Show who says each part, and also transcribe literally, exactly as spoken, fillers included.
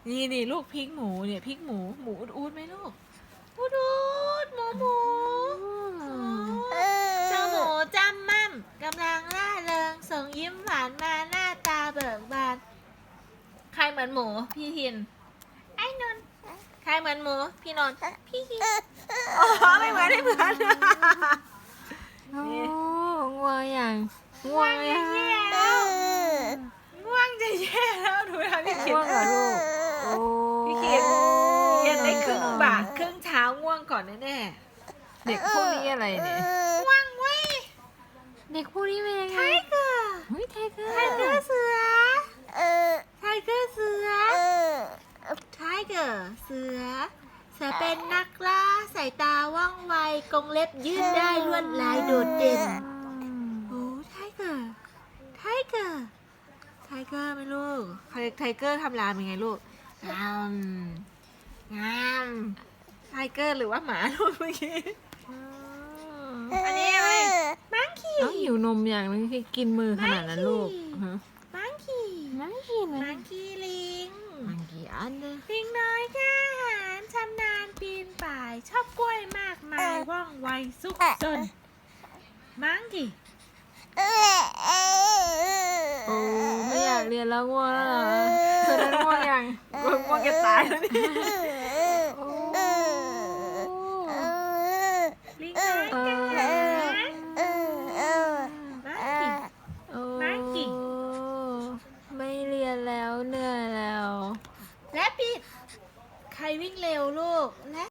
Speaker 1: นี่นี่ลูกพริกหมูเนี่ยพริกหมูหมูอูดไหมลูกอูดอูดหมูหมูเจ้าหมูจำมั่มกำลังร่าเริงส่งยิ้มหวานมาหน้าตาเบิกบานใครเหมือนหมูพี่ทินไอ้นนท์ใครเหมือนหมูพี่นนท์พี่ทินอ๋อไม่เหมือนไม่เหมือน
Speaker 2: โอ้ง่วงอย่างง่วงอย่าง
Speaker 1: ง่วงจะแย่แล้วดูนะพี่เขีย
Speaker 2: ง่วน งเหรอลูกโอ้
Speaker 1: พี่เขียนเรียนได้ครึ่งบ่ายครึ่งเช้าง่วงก่อนแน่
Speaker 2: เด็กพวกนี้อะไรเนี่ย
Speaker 1: ๆง่วงเว้ย
Speaker 2: เด็กพวกนี้เป็นยัง
Speaker 1: ไท
Speaker 2: ไง
Speaker 1: เกอร์
Speaker 2: เฮ้ยไทเกอร์
Speaker 1: ไทเกอร์เสือไทเกอร์เสือไทเกอร์เสือเสือเป็นนักล่าสายตาว่องไวกรงเล็บยืดได้ลวดลายโดดเด่นโอ้ไทเกอร์ไทเกอร์ไทเกอร์ไหมลูกไทเกอร์ทำรามยังไงลูกงามงามไทเกอร์หรือว่าหมาลูกเมื่อกี้ อันนี้อะไรมังคี
Speaker 2: น้องหิวนมอย่างนึงที่กินมือขนาดนั้นลูกฮะ
Speaker 1: มังคี
Speaker 2: นั่งกินมั
Speaker 1: มั
Speaker 2: น
Speaker 1: งคีลิง
Speaker 2: มันกี่อันเนี่ย
Speaker 1: ลิงน้อยกล้าหาญชำนาญปีนป่าย ชอบกล้วยมากมายว่องไวซุกซนมังคี
Speaker 2: โอ้ไม่อยากเรียนแล้วง่วงแล้วเหรอเธอได้ง่วงยังง่วงจะตายแล้วเนี่ย